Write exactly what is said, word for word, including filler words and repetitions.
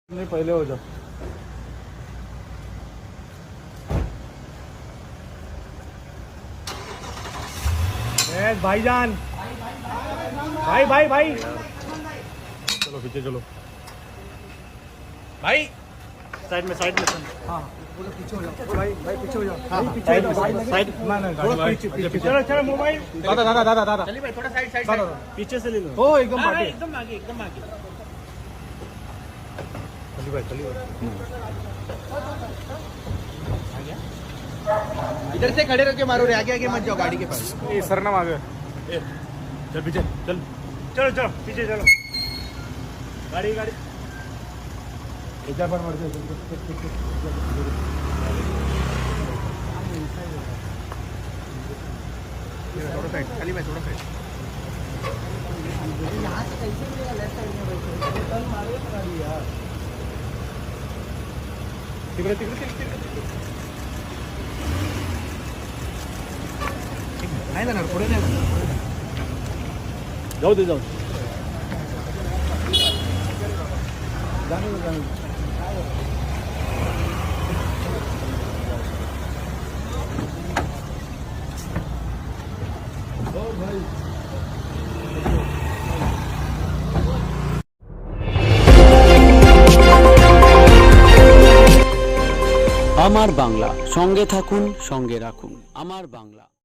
नहीं पहले हो जाओ। भाईजान भाई भाई भाई चलो पीछे चलो भाई साइड में साइड में हाँ बोलो पीछे हो जाओ भाई भाई पीछे हो जाओ हाँ पीछे हो जाओ साइड ना ना थोड़ा पीछे पीछे चलो चलो मोबाइल दादा दादा दादा दादा चलिए भाई थोड़ा साइड साइड पीछे से ले लो ओ एकदम आगे एकदम आगे एकदम आगे चलिए भाई चलिए इधर से खड़े रह के मारो रे, आगे आगे मत जाओ गाड़ी के पास। ए सरनाम आ गया ए चल पीछे चल चलो चलो पीछे चलो गाड़ी गाड़ी इधर पर मर जाओ थोड़ा साइड खाली भाई थोड़ा साइड यहाँ से कैसे मिलेगा लेफ्ट साइड में बैठे टर्न मारो गाड़ी यार तिकडे तिकडे तिकडे नाही जाणार पुढे नाही जाणार जाऊ दे जाऊ जाणे जाणे ओ भाई আমার বাংলা, সঙ্গে থাকুন, সঙ্গে রাখুন। আমার বাংলা।